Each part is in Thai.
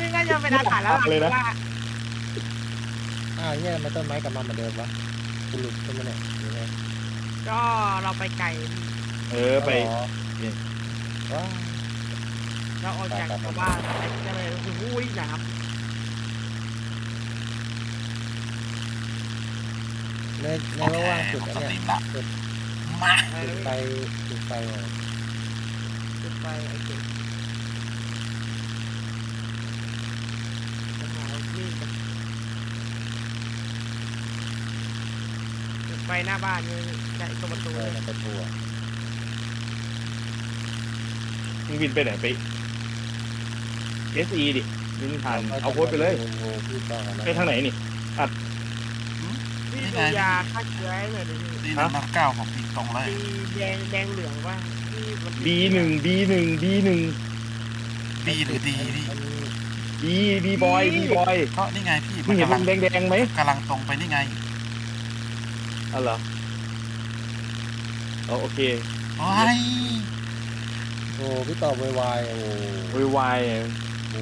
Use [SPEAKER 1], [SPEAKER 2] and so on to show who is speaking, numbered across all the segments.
[SPEAKER 1] นี่น่าจะเป็นอาถรรพ์แล้ว
[SPEAKER 2] เลยนะ
[SPEAKER 1] ว่า
[SPEAKER 3] อ้าวเนี่ยทำไมต้นไม้กลับมาเหมือนเดิมวะกูหลุดใช่ไหมเนี่ยหรือไง
[SPEAKER 1] ก็เราไปไกล
[SPEAKER 2] ไป
[SPEAKER 3] ว้าว
[SPEAKER 1] เราออกจากชาวบ้านไปก็เลยโอ้โหน้
[SPEAKER 3] ในระหว่างจุด
[SPEAKER 4] ส
[SPEAKER 3] นั้น
[SPEAKER 4] ตรี
[SPEAKER 3] เนี่ย
[SPEAKER 4] มละมา
[SPEAKER 1] ำ
[SPEAKER 3] จุดไฟจุดไฟเลย
[SPEAKER 1] จุดไฟไอ้เจ๊จะหามีดกันจุดไฟหน้าบ้านนี่ใช่ตรงประตู
[SPEAKER 3] เอ
[SPEAKER 1] เล
[SPEAKER 3] อย มันจะตัว
[SPEAKER 2] มึงบินไปไหนไป SE ดิบินผ่านเอาโค้ดไปเลย
[SPEAKER 3] โอ้พี่ต้องกันนะ
[SPEAKER 2] ไปทางไหนนี่
[SPEAKER 1] พี่ดูยาฆ่าเชื้อให้หน่อยดิพี่
[SPEAKER 4] ดี199ผมยิงตรงเลย
[SPEAKER 1] ดีแดงเหลืองว่าที่มัน
[SPEAKER 2] B1
[SPEAKER 4] บีหรือดีพี่
[SPEAKER 2] B boy B boy
[SPEAKER 4] ก็นี่ไงพี่
[SPEAKER 2] มึงเห็น
[SPEAKER 4] กำลั
[SPEAKER 2] มัน
[SPEAKER 4] ง
[SPEAKER 2] แดงไหม
[SPEAKER 4] กำลังตรงไปนี่ไง
[SPEAKER 2] อ๋อเหรอโอเค
[SPEAKER 4] โอ้ย
[SPEAKER 3] โอ้พี่ต่อวายโอ้
[SPEAKER 2] วาย
[SPEAKER 3] โอ้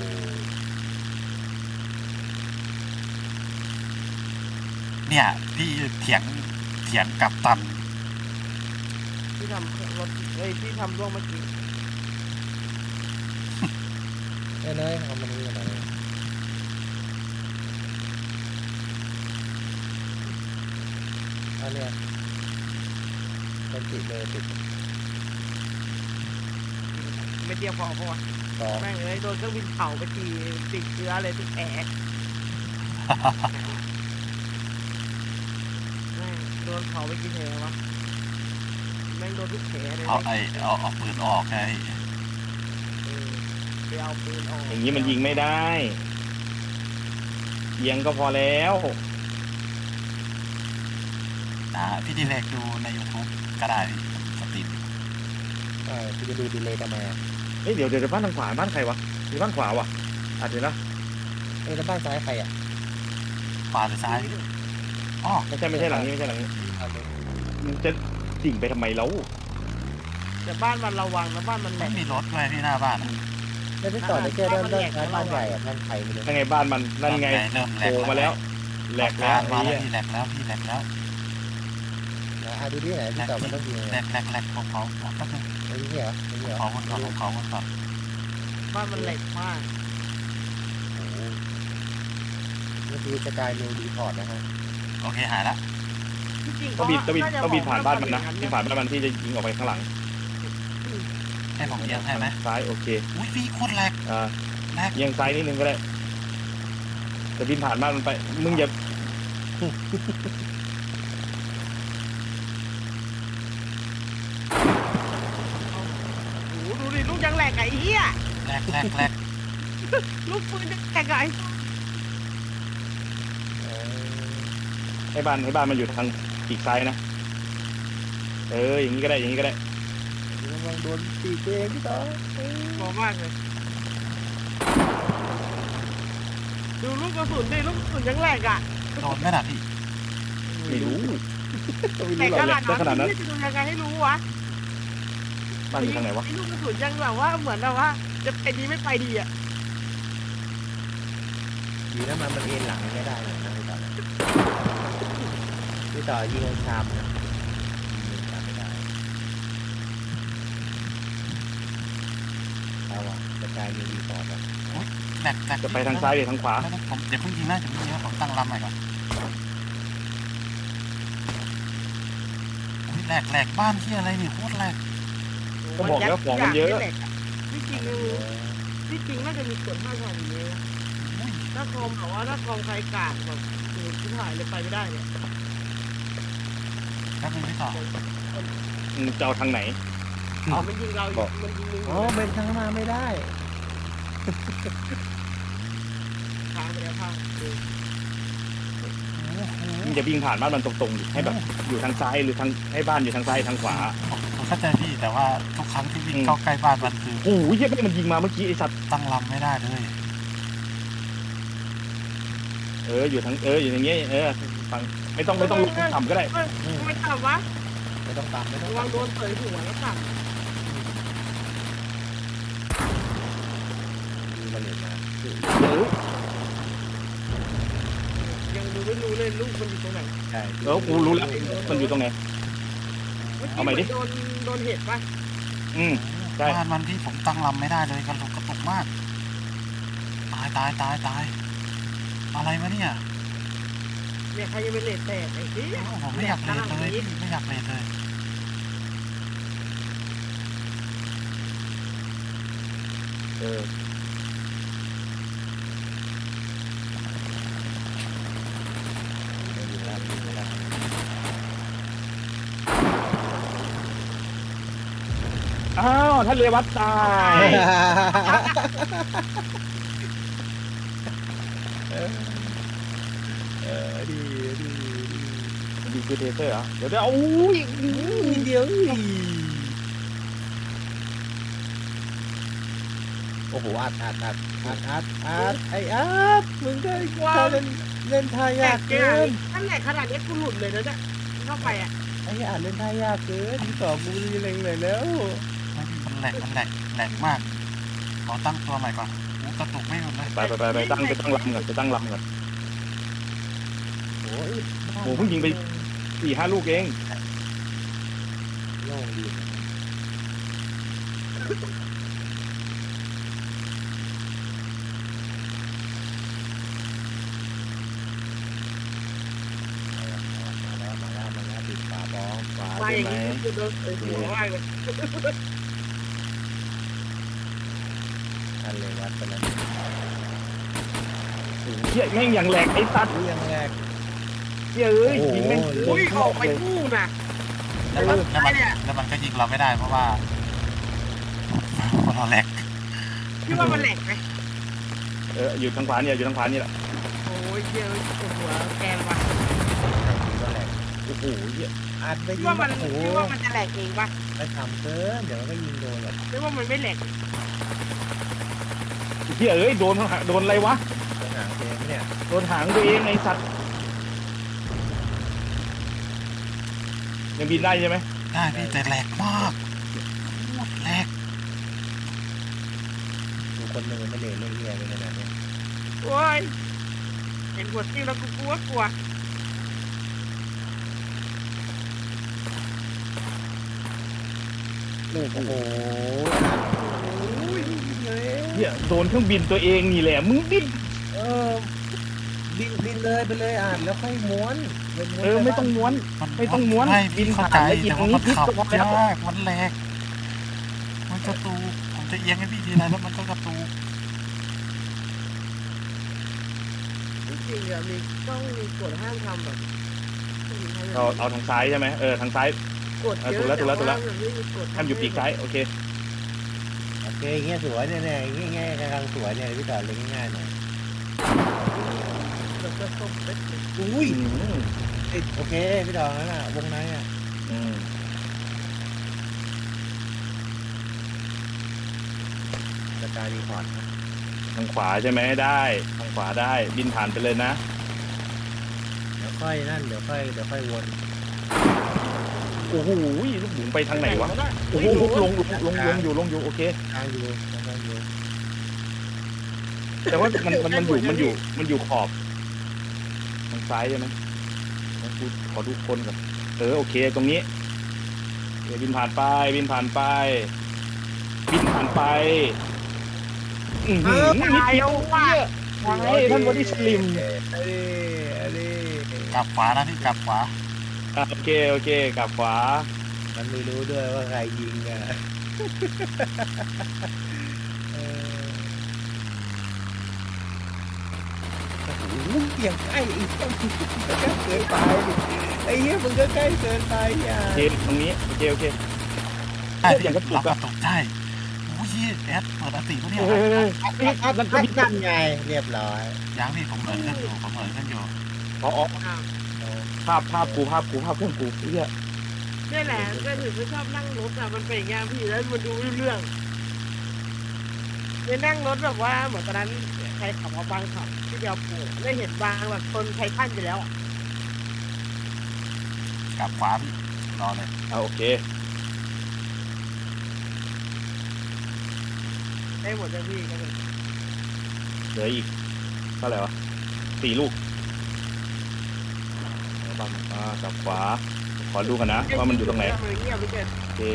[SPEAKER 4] เนี่ยพี่เถียงกับตัน
[SPEAKER 1] ที่ทำรถที่ทำร่วงเมื่อกี้
[SPEAKER 3] เนยเอามาดูกันหน่อยอันเนี้ยเป็นติดเลยติด
[SPEAKER 1] ไม่เดียวพอเพราะว่า
[SPEAKER 3] สอง
[SPEAKER 1] แม่งเลยโดนเครื่องบินเผาไปทีติดเชื้อเลยทุกแผลแม่งโดนเผาไปกี่แผลวะแม่งโดนทุกแผลเลย
[SPEAKER 4] เอาปืนออกไง
[SPEAKER 1] ไปเอาปืนออก
[SPEAKER 2] อย่างนี้มันยิงไม่ได้เอียงก็พอแล้ว
[SPEAKER 4] นะพี่ดีเลกดูใน YouTube ก็ได้พี่สตรีม
[SPEAKER 3] พี่จะดูดีเลยทำไมอ่ะ
[SPEAKER 2] เฮ้ยเดี๋ยวบ้านทางขวาบ้านใครวะมีบ้านขวาวะอาจจะนะ
[SPEAKER 3] แล้วบ้านซ้ายใครอ่ะ
[SPEAKER 4] ขวาหรือซ้ายอ๋อ
[SPEAKER 2] ไม่ใช่หลังนี้ไม่ใช่หลังนี้
[SPEAKER 3] อันนี้
[SPEAKER 2] มึงจะดิ่งไปทำไมแล้ว
[SPEAKER 1] แต่บ้านมันระวังนะบ้านมันแหล
[SPEAKER 4] ไม่
[SPEAKER 1] ก
[SPEAKER 4] มีรถด้วยพี่หน้าบ้านอะ
[SPEAKER 3] แล้วพี่ต่อได้แค่ด้านซ้ายบ้านใหญ่อ่ะบ้านใครไม่รู้
[SPEAKER 2] นั่นไงบ้านมันนั่นไง
[SPEAKER 4] เริ่มแหล
[SPEAKER 2] โผ
[SPEAKER 4] ก
[SPEAKER 2] ล่มาแล้วแหลกแล้ว
[SPEAKER 4] มา
[SPEAKER 2] ไอ้
[SPEAKER 4] แล้ว
[SPEAKER 2] เหี้ย
[SPEAKER 4] พี่แหลกแล้วพี่แหลกแล้ว
[SPEAKER 3] นะดูที่ไหนพี่ต่อมันต้องยิง
[SPEAKER 4] แหลกของเขาแป๊บนึง
[SPEAKER 3] ไอ้นี่เหรอไอ้นี่เหรอ
[SPEAKER 4] ของมันก่อนของเขามันก่อน
[SPEAKER 1] บ้านมันแหลกมาก
[SPEAKER 3] โอ้โหนี่คือสกายนิวดีพอร์ตนะฮะ
[SPEAKER 4] โอเคหายละ
[SPEAKER 1] ที่จริง
[SPEAKER 2] ต้องบินผ่านบ้านมันนะบินผ่านบ้านมันที่จะยิงออกไปข้างหลัง
[SPEAKER 4] ให้ผมเอียงให้ไหม
[SPEAKER 2] ซ้ายโอเค
[SPEAKER 4] อุ้ยพี่โคตรแหลก แหลก
[SPEAKER 2] เอียงซ้ายนิดนึงก็ได้แต่บินผ่านบ้านมันไปมึงอย่า
[SPEAKER 1] โอ้โหดูดิลูกยังแหลกไอ้เหี้ย
[SPEAKER 4] แหลก
[SPEAKER 1] ลูกปืนยังแหลกไอ้
[SPEAKER 2] ให้บ้านมันอยู่ทางปีกซ้ายนะอย่างนี้ก็ได้อย่างนี้ก็ได้
[SPEAKER 3] ระวังโดนตีเองพี่ต่อ
[SPEAKER 1] หมอมากเลยดูลูกกระสุนดิลูกกระสุนยังแหลกอ่ะ
[SPEAKER 4] โดนไหมล่ะพี่
[SPEAKER 2] ไม่รู้
[SPEAKER 1] แหลกขนาดนั้นจะดูยังไงให้รู้วะ
[SPEAKER 2] บ้านอยู่ทางไหนวะ
[SPEAKER 1] ลูกกระสุนยังแบบว่าเหมือนแบบว่าจะไปดีไม่ไปดีอ่ะ
[SPEAKER 3] ดีนะมันเอ็นหลังไม่ได้นะพี่ต่อยิงชามนะไม่ได้เอาว่ะสกายนิวดีพอร์ตอ่ะ
[SPEAKER 4] แหลก
[SPEAKER 2] จะไปทางซ้ายหรือทางขวา
[SPEAKER 4] ไม่ต้องผมอย่าเพิ่งยิงนะอย่าเพิ่งยิงนะผมตั้งลำใหม่ก่อนอุ้ยแหลกบ้านที่อะไรนี่โคตรแหลก
[SPEAKER 2] ก็บอกแล้วของมันเยอะ
[SPEAKER 1] ที่จริงน่าจะมีกฎห้ามทำอย่างนี้นะ
[SPEAKER 4] อุ้ย
[SPEAKER 1] ถ้าคอมแบบว่าถ้าคอมใครกาดแบบโอ้ชิบหายเลยไปไม่ได้เนี่ย
[SPEAKER 4] แป๊บนึงพี่ต่อ
[SPEAKER 2] มึงจะเอาทางไหน
[SPEAKER 1] มันยิงเรามันยิงมึง
[SPEAKER 3] อ๋อเป็นทางมาไม่ได้
[SPEAKER 1] ทางไปแล้วพัง
[SPEAKER 2] มึงจะวิ่งผ่านบ้านมันตรงๆดิให้แบบอยู่ทางซ้ายหรือทางให้บ้านอยู่ทางซ้ายทางขวา
[SPEAKER 4] ผมเข้าใจพี่แต่ว่าทุกครั้งที่วิ่งเข้าใกล้บ้านมันคือ
[SPEAKER 2] โอ้ยเหี้ยแม่งมันยิงมาเมื่อกี้ไอ้สัตว์
[SPEAKER 4] ตั้งลำไม่ได้เลย
[SPEAKER 2] อยู่ทางอยู่อย่างเงี้ยฟังไม่ต้องลงต่ำก็ได้
[SPEAKER 1] ไม่ทำวะ
[SPEAKER 3] ไม่ต้องตามไม่ต้อง
[SPEAKER 1] ระวังโดนเตยหัวแล้วสั่ง
[SPEAKER 3] ดมาเรียนมา
[SPEAKER 1] ยังดูไม่รู้เลยลูกมันอยู่ตรงไหน
[SPEAKER 3] ใช่
[SPEAKER 2] แล้วกูรู้แล้วมันอยู่ตรงไหน
[SPEAKER 1] เมื่อ
[SPEAKER 2] เอา
[SPEAKER 1] กี้
[SPEAKER 2] ใหม่
[SPEAKER 1] เหมื
[SPEAKER 2] ดิ
[SPEAKER 1] อนโดนเห็ดปะ
[SPEAKER 2] อืมใช่
[SPEAKER 4] บ้านมันที่ผมตั้งลำไม่ได้เลยกระตุกมาก ตายอะไรวะเนี่ย
[SPEAKER 1] เนี่ยใครยังเป็นเลดแตกไอ้ที่
[SPEAKER 4] ผมไม่อยากเลทเลยพี่ไม่อยากเลทเลย
[SPEAKER 2] เอออ้าวท่านเรวัตตาย
[SPEAKER 3] ดี
[SPEAKER 2] ดีคือเทเซอร์เหรอเดี๋ยวอุ้ย
[SPEAKER 3] เดี๋ยวโอ้โหอัดไอ้อัดมึงได้เล่นท่า
[SPEAKER 1] แต
[SPEAKER 3] ยาก ก
[SPEAKER 1] เกิ
[SPEAKER 3] เกิ
[SPEAKER 1] น
[SPEAKER 3] น
[SPEAKER 1] นั่นแหละขนาดนี้กูหลุดเลยนะเนี่ยเข้าไปอ่ะ
[SPEAKER 3] ไอ้อัดเล่นท่ายากเกินที่สองกูเล็งเลยแล้ว
[SPEAKER 4] ไม่พี่มันแหลกมาก ขอตั้งตัวใหม่ก่อนกระตุกไม่หมดเลย
[SPEAKER 2] ไปตั้งลำก่อนไปตั้งลำก่อน
[SPEAKER 3] โอ้ย
[SPEAKER 2] โอ้เพิ่งยิงไป 4-5 ลูกเอง
[SPEAKER 3] โล่งดีมาแล้วปิดฝาบ้องฝา
[SPEAKER 1] มาอย่างนี้กูโดนเตะหัวมากเลย
[SPEAKER 3] อันเลยวัดไปแล้ว
[SPEAKER 2] เฮียแม่งอย่างแหลกไอ้สัตว์
[SPEAKER 3] ยังแรก
[SPEAKER 2] เฮียเอ้ยยิงแม่ง
[SPEAKER 1] อุ้ยออกไปคู่น่ะ
[SPEAKER 4] แล้วมันก็ยิงเราไม่ได้เพราะว่าเราแหลก
[SPEAKER 1] พี่ว่ามันแหลกไหม
[SPEAKER 2] อยู่ทางขวาเนี่ยอยู่ทางขวานี่แหละ
[SPEAKER 1] โอ้ยเยอะปวดหัวแกนว่ะ
[SPEAKER 3] ก็แรก
[SPEAKER 2] โอ้โหเฮีย
[SPEAKER 3] อัดไป
[SPEAKER 1] พี่
[SPEAKER 3] ยิ
[SPEAKER 1] ว่าง มัน
[SPEAKER 3] โอ้โห
[SPEAKER 1] พี่ว่ามันจะแหลกเองปะ
[SPEAKER 3] ไปทำเกินเดี๋ยวมันก็ยิงโดนหรอก
[SPEAKER 1] พี่ว่ามันไม่แหลก
[SPEAKER 2] เฮียเอ้ยโดนอะไรวะ
[SPEAKER 3] หางเกมเนี่ย
[SPEAKER 2] โดนหางตัวเองไอ้สัตว์ยังบินได้ใช่ไหม
[SPEAKER 4] ได้พี่แต่แหลกมากแหลก
[SPEAKER 3] ดูคนหนึ่งไม่เล่นเรื่องเงี้ยเป็นขนาดนี้
[SPEAKER 1] โอ้ยเห็นหัวติ้งแล้วกูกลัว
[SPEAKER 3] โอ้โห
[SPEAKER 2] เฮียโดนเครื่องบินตัวเองนี่แหละมึงบิน
[SPEAKER 3] เออบินเลยไปเลยอ่านแล้วค่อยม้วน
[SPEAKER 2] ไม่ต้องม้วน ไม่ต้องม้วน
[SPEAKER 4] ไม่
[SPEAKER 2] บิ
[SPEAKER 4] พี่
[SPEAKER 2] น
[SPEAKER 4] เข้า
[SPEAKER 2] ผ่าน
[SPEAKER 4] ใจ
[SPEAKER 2] แล้วอีก
[SPEAKER 4] แต่
[SPEAKER 2] ตร
[SPEAKER 4] ว่าง
[SPEAKER 2] นี้
[SPEAKER 4] มัน
[SPEAKER 2] พิษ
[SPEAKER 4] ขับ
[SPEAKER 2] ก็พอแล้ว
[SPEAKER 4] ยากมันแหลกมันกระตูกผมจะเอียงให้พี่ทีไรแล้วมันก็กระตูก
[SPEAKER 1] จริงๆอะมีต้องมีกฎห้ามทำแบบ
[SPEAKER 2] เอาทางซ้ายใช่ไหมทางซ้าย
[SPEAKER 1] กฎเยอะ
[SPEAKER 2] ถูกแล้ว
[SPEAKER 1] มันไม่มีกฎ
[SPEAKER 2] ห้ามอยู่ปีกซ้ายโอเค
[SPEAKER 3] โอเคเงี้ยสวยเนี่ยง่ายๆกำลังสวยเนี่ยพี่ต่อเล่นง่ายๆหน่อย
[SPEAKER 1] มันก็ส้มเล็ก
[SPEAKER 3] อุ้ยโอเคพี่ต่อนั่นน่ะวงในอ่ะ
[SPEAKER 2] อืม
[SPEAKER 3] สกายรีพอร์ต
[SPEAKER 2] ทางขวาใช่ไหมได้ทางขวาได้บินผ่านไปเลยนะ
[SPEAKER 3] เดี๋ยวค่อยนั่นเดี๋ยวค่อยวน
[SPEAKER 2] โอ้โหลูกบุ๋มไปทางไหนวะโอ้โหลงอยู่โอเค
[SPEAKER 3] ทางอยู่
[SPEAKER 2] แต่ว่ามันอยู่ขอบทางซ้ายใช่ไหมกูขอดูคนก่อนโอเคตรงนี้บินผ่านไปบินผ่านไปนิดเดียวท่านบอดี้สลิม
[SPEAKER 3] อะไร
[SPEAKER 4] กลับขวานะพี่กลับขวา
[SPEAKER 2] โอเคกลับขวา
[SPEAKER 3] มันไม่รู้ด้วยว่าใครยิงอ่ะโอ้โหเกี่ยงใกล้อีกเกินไปไอ้เหี้ยมึงก็ใกล้เกินไปอ่ะ
[SPEAKER 2] โอเคตรงนี้โอเค
[SPEAKER 4] ได้
[SPEAKER 2] อย่าง
[SPEAKER 4] พี่
[SPEAKER 2] กระตุก
[SPEAKER 4] รับก
[SPEAKER 2] อะ
[SPEAKER 4] ระตุกได้โอ้ยแอดเปิดอติปะเนี่ย
[SPEAKER 3] นั่นไงเรียบร้อย
[SPEAKER 4] ยังพี่ผมเปิดขึ้นอยู่
[SPEAKER 2] อ๋อภาพกูเครื่องกูเฮีย
[SPEAKER 1] นี่แหละก็ถึงไม่ชอบนั่งรถอ่ะมันเป็นอย่างเงี้ยพี่แล้วมันดูเรื่องเนี่ยนั่งรถแบบว่าเหมือนตอนนั้นใครขับมาบางขับที่เดียวปูได้เห็นบางแบบคนไททันอยู่แล้ว
[SPEAKER 4] กลับขวาพี่รอเลย
[SPEAKER 2] โอเค
[SPEAKER 1] ได้หมดเลยพี่ก็เลย
[SPEAKER 2] เหลืออีกเท่าไหร่วะ4 ลูกเอาบ้างกลับขวาขอดูกันนะว่ามันอยู่ตรงไหน
[SPEAKER 1] มันเงียบไปเกิน
[SPEAKER 2] โอเค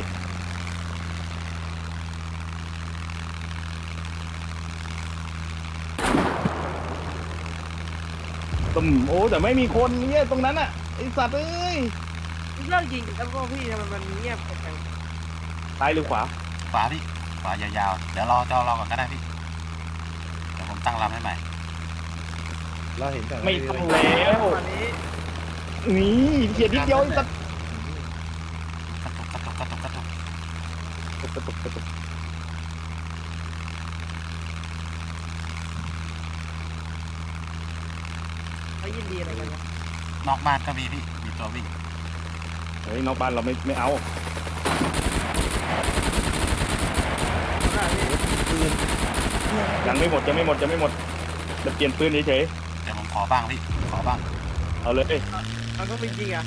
[SPEAKER 2] ตึมโอ้แต่ไม่มีคนเนี่ยตรงนั้นอ่ะไอสัตว์เอ้ย
[SPEAKER 1] เลิกยิงแล้วก็พี่ทำไมมันเงียบจัง
[SPEAKER 2] ซ้ายหรือขวา
[SPEAKER 4] ขวาพี่ขวายาวๆเดี๋ยวรอจอรอก่อนก็ได้พี่เดี๋ยวผมตั้งลำให้ใหม่
[SPEAKER 3] เราเห็นแต่
[SPEAKER 2] ไม่ต้องแล้ว
[SPEAKER 1] ตอนนี้
[SPEAKER 2] นี่เขียนนิดเดียวไอ้สัตว์
[SPEAKER 4] กระตุกกระตุกกระตุกกระตุก
[SPEAKER 2] กระตุกกระตุก
[SPEAKER 1] เขายินดีอะไรกันวะ
[SPEAKER 4] นอกบ้านก็มีพี่มีตัววิ่ง
[SPEAKER 2] เฮ้ยนอกบ้านเราไม่เอา
[SPEAKER 3] ปืน
[SPEAKER 2] ยังไม่หมดจะไม่หมดจะเปลี่ยนปืนเฉย
[SPEAKER 4] เดี๋ยวผมขอบ้างพี่ขอบ้าง
[SPEAKER 2] ๆเอาเลย
[SPEAKER 1] มันก็เป็นจริงอ่ะ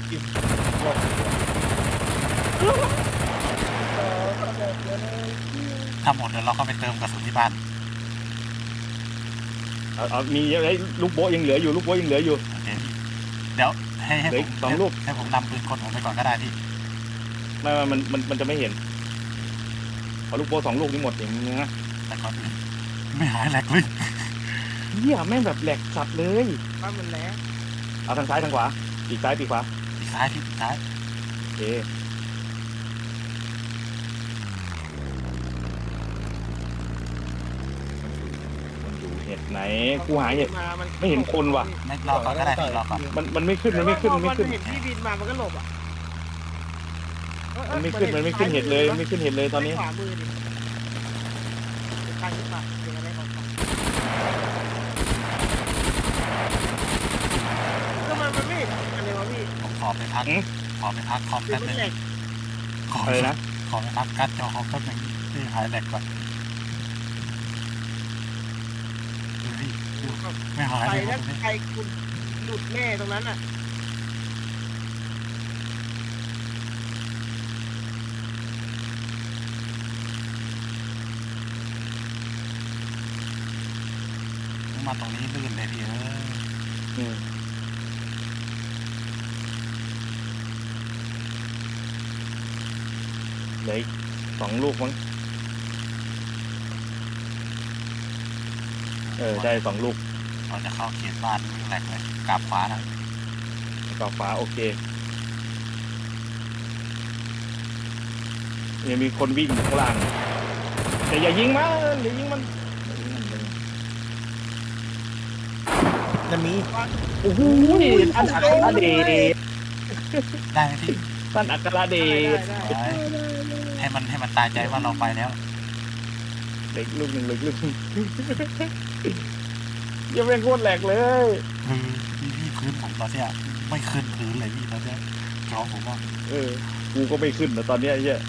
[SPEAKER 4] ถ้าหมดเดี๋ยวเราก็ไปเติมกระสุนที่บ้าน
[SPEAKER 2] เอามีไอ้ลูกโบ๊ะยังเหลืออยู่ลูกโบ๊ะยังเหลืออยู่
[SPEAKER 4] โอเคพี่เดี๋ยวให้
[SPEAKER 2] เหลือ
[SPEAKER 4] ผ
[SPEAKER 2] อี
[SPEAKER 4] ม
[SPEAKER 2] ก2 ลูก
[SPEAKER 4] ให้ผมนำปืนคนผมไปก่อนก็ได้พี่
[SPEAKER 2] ไม่มันจะไม่เห็นพอลูกโบ๊ะ2 ลูกนี่หมดอย่างเงี้ย
[SPEAKER 4] แต่ก่อนอื่นไม่หายแหลกเลย
[SPEAKER 2] เหี้ยแม่งแบบแหลกสัตว์เลย
[SPEAKER 1] บ้านมันแล้ว
[SPEAKER 2] เอาทางซ้ายทางขวาปีกซ้ายปีกขวา
[SPEAKER 4] ปีกซ้ายพี่ปีกซ้าย
[SPEAKER 2] โอเคมันอยู่เห็ดไหนกูหาเห็ด ไม่เห็นคนว่ะ
[SPEAKER 4] ไม่รอก่อนก็ได้พี่รอก่อน
[SPEAKER 2] มันไม่ขึ้นมันไม่ขึ้น
[SPEAKER 1] พอ
[SPEAKER 2] มันไม่ขึ้น
[SPEAKER 1] เห็นพี่บินมามันก็หลบอ่ะ
[SPEAKER 2] มันไม่ขึ้นเห็ดเลยมันไม่ขึ้นเห็ดเลยตอนนี้
[SPEAKER 1] ขวามือดิทางขึ้นมาเป็นอะไรของเขาก็มันไม่เห็นอะไรวะพี่
[SPEAKER 4] ผมขอไปพักขอไปพักคอม
[SPEAKER 1] คือ
[SPEAKER 4] แป๊บ
[SPEAKER 1] มั
[SPEAKER 4] นึ
[SPEAKER 1] น
[SPEAKER 4] ง
[SPEAKER 1] แหลก
[SPEAKER 4] ขอ
[SPEAKER 2] อะไรนะ
[SPEAKER 4] ขอไปพักการ์ดจอคอมแป๊บนึงที่หายแหลกก่อนดูพี่ดูไม่หาย
[SPEAKER 1] ไป
[SPEAKER 4] เลยค
[SPEAKER 1] แล้
[SPEAKER 4] รั
[SPEAKER 1] ว
[SPEAKER 4] บตรงนี้
[SPEAKER 1] ใครคุณหลุดแน่ตรงนั้นอ่ะ
[SPEAKER 4] มาตรงนี้ลื่นเลยพี่
[SPEAKER 2] อืมเหลืออีก2 ลูกมั้งได้2 ลูก
[SPEAKER 4] เราจะเข้าเขตบ้านวิ่งแหลกเลยกลับขวานะ
[SPEAKER 2] ต่อฟ้าโอเคยังมีคนวิ่งอยู่ข้างล่างแต่อย่ายิงมันอย่ายิงมัน
[SPEAKER 3] จะมี
[SPEAKER 2] โอ้โหท่านอัครเดช
[SPEAKER 4] ได้ไหมพี่
[SPEAKER 2] ท่านอัครเดช
[SPEAKER 4] ไว้ให้มันตายใจว่าเราไปแล้ว
[SPEAKER 2] เล็กลูกหนึ่งเล็กลูกหนึ่งยังเป็นโคตรแหลกเลย
[SPEAKER 4] พี่พื้นผมตอนเนี้ยไม่ขึ้นพื้นเลยพี่ตอนเนี้ยจอผมว่า
[SPEAKER 2] กูก็ไม่ขึ้นนะตอนเนี้ยไอ้เหี้ย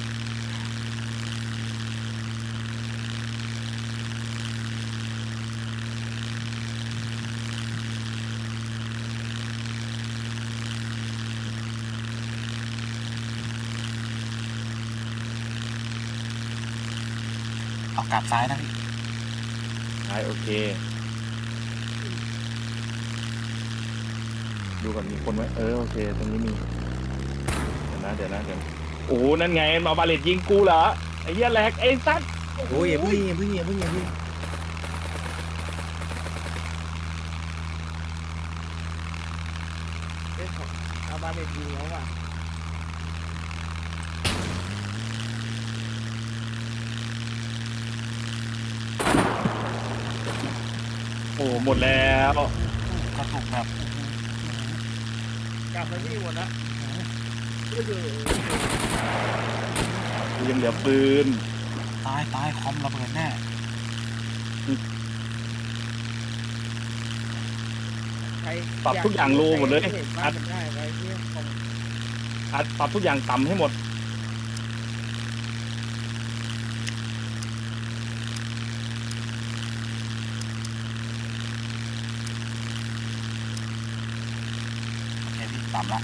[SPEAKER 4] เอากลับซ้ายนะพี่
[SPEAKER 2] ใช่โอเคดูก่อนมีคนไหมโอเคตรงนี้มีเดี๋ยวนะโอ้โหนั่นไงมาบาเลตยิงกูเหรอไอ้เหี้ยแหลกไอ้สัตว์
[SPEAKER 3] โอ้ยอย่าเพิ่งอย่าเพิ่งอย่าเพิ่งอย่าเพิ่ง
[SPEAKER 1] เอาบาเด็ดยิงแล้วอ่ะ
[SPEAKER 2] โอ้หมดแล้ว
[SPEAKER 4] กระตุกแบบ
[SPEAKER 1] กลับไปที่หมดละ
[SPEAKER 2] ยังเหลือปืน
[SPEAKER 4] ตายคอมระเบิดแน่
[SPEAKER 1] ใคร
[SPEAKER 2] ปรับทุกอย่างโลหมดเลย
[SPEAKER 1] อัดได้ไว้ที่คอม
[SPEAKER 2] ปรับทุกอย่างต่ำให้หมด
[SPEAKER 4] โอเคพี่ต่ำละ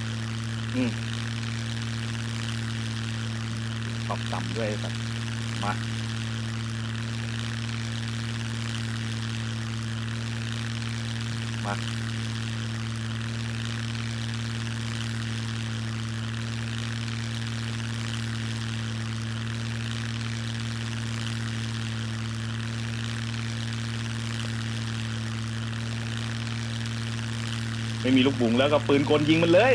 [SPEAKER 2] ปรับต่ำด้วยแบบมา
[SPEAKER 3] มา
[SPEAKER 2] ไม่มีลูกบุ๋งแล้วก็ปืนกลยิงมันเลย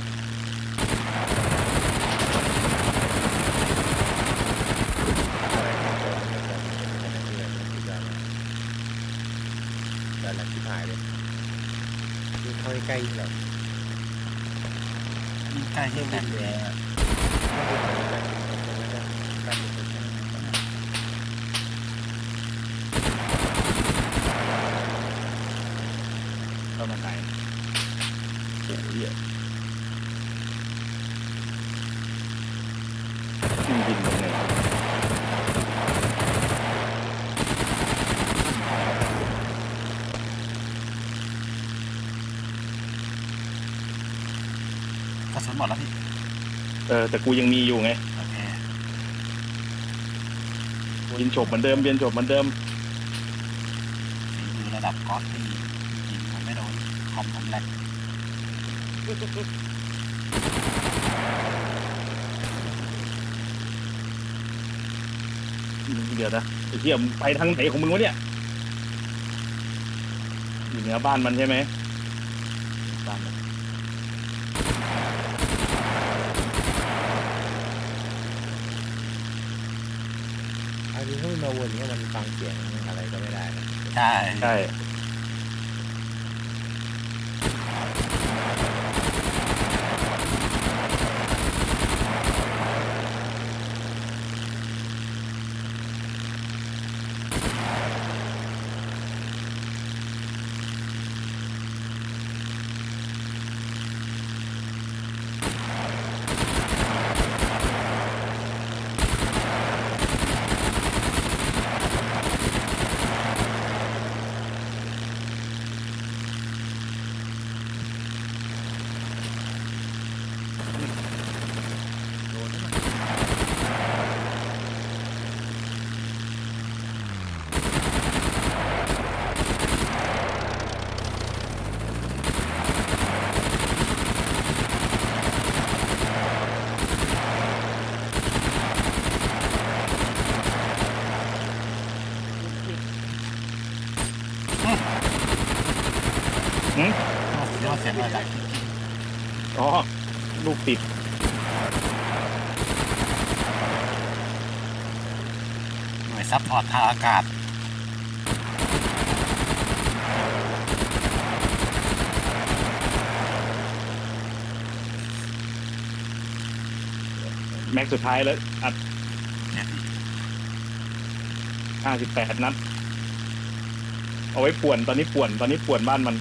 [SPEAKER 3] ได้แหละที่หายเลยที่เข้าใกล้ๆเลย
[SPEAKER 4] ยิ่งใกล้ยิ่งแน่น
[SPEAKER 2] เข้ามาไหนโอ้ยยิงลงเลย
[SPEAKER 4] กระสุนหมดแล้วพี่
[SPEAKER 2] แต่กูยังมีอยู่ไง
[SPEAKER 4] โอเค
[SPEAKER 2] ยินฉบเหมือนเดิมเบียนฉบเหมือนเดิม
[SPEAKER 4] ฝีมือระดับก๊อตที่ยิงผมไม่โดนคอมผมแหลก
[SPEAKER 2] เดี๋ยวนะไอ้เหี้ยมึงไปทางไหนของมึงวะเนี่ยอยู่เหนือบ้านมันใช่ไหมบ้านมัน
[SPEAKER 3] อันนี้ถ้ามันมาวนเนี่ยมันฟังเสียงอะไรก็ไม่ได้นะ
[SPEAKER 4] ใช่
[SPEAKER 2] ใช่หืม
[SPEAKER 4] เรียกว่าเสียงอะไร
[SPEAKER 2] อ๋อลูกติด
[SPEAKER 4] หน่วยซัพพอร์ตทางอากาศ
[SPEAKER 2] แม็กซ์สุดท้ายแล้วอัด
[SPEAKER 4] เนี่ยพี่
[SPEAKER 2] 58 นัด เอาไว้ป่วนตอนนี้ป่วนบ้านมัน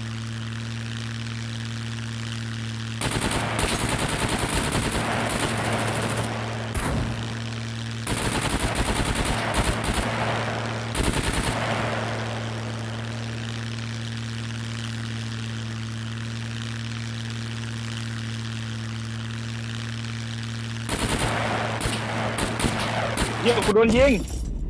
[SPEAKER 2] เยี่ยมกูโดนยิง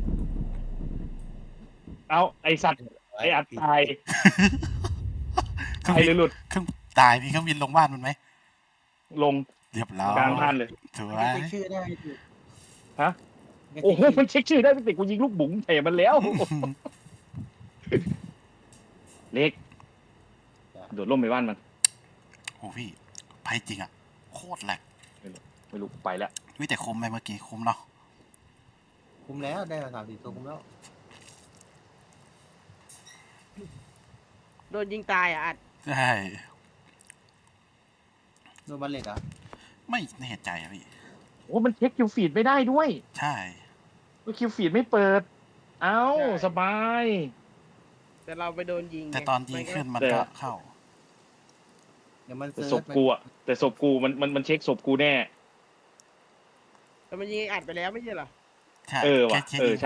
[SPEAKER 2] เอาไอสัตว์ไออัดตาย
[SPEAKER 4] เครื่อง
[SPEAKER 2] ตาย
[SPEAKER 4] บิ
[SPEAKER 2] เลย
[SPEAKER 4] น
[SPEAKER 2] หลุด
[SPEAKER 4] เครื่องตายพี่เครื่องบินลงบ้านมันไหม
[SPEAKER 2] ลง
[SPEAKER 4] เรียบร้อย
[SPEAKER 2] กลางบ้านเลย
[SPEAKER 4] สว
[SPEAKER 3] ไม่
[SPEAKER 4] ย
[SPEAKER 3] เช็คชื่อได้ดิ
[SPEAKER 2] ฮะ โอ้โหมันเช็คชื่อได้ไม่ติดกูยิงลูกบุ๋งเตะมันแล้ว เล็กโดดล่มไปบ้านมัน
[SPEAKER 4] โอ้พี่ไปจริงอ่ะโคตรแหลก
[SPEAKER 2] ไม่รู้ไปแล้ว
[SPEAKER 4] วิแต่คุ้มไหมเมื่อกี้คุ้มเนาะ
[SPEAKER 3] คุ้มแล้วได้มา3-4 ตัวคุ้มแล้ว
[SPEAKER 1] โดนยิงตายอ่ะอัด
[SPEAKER 4] ใช่
[SPEAKER 3] โดนบัลเล็ตอ่ะ
[SPEAKER 4] ไม่แน่ใจอะพี่
[SPEAKER 2] โอ้มันเช็คคิวฟีดไม่ได้ด้วย
[SPEAKER 4] ใช่
[SPEAKER 2] คิวฟีดไม่เปิด เอ้าสบาย
[SPEAKER 1] แต่เราไปโดนยิงไง
[SPEAKER 4] แต่ตอนยิงขึ้นมัน
[SPEAKER 2] แต่
[SPEAKER 4] ก็เข้า
[SPEAKER 3] เดี๋ยวมัน
[SPEAKER 2] แต่
[SPEAKER 3] เซิร์
[SPEAKER 2] ศ
[SPEAKER 3] ช
[SPEAKER 2] พกูอะแต่ศพกูมันเช็คศพกูแน่
[SPEAKER 1] แต่มันยิงไอ้อัดไปแล้วไม่ใช่เหรอ
[SPEAKER 4] ใช่
[SPEAKER 2] เออว่ะ
[SPEAKER 4] แค่
[SPEAKER 2] เออ
[SPEAKER 4] ยิง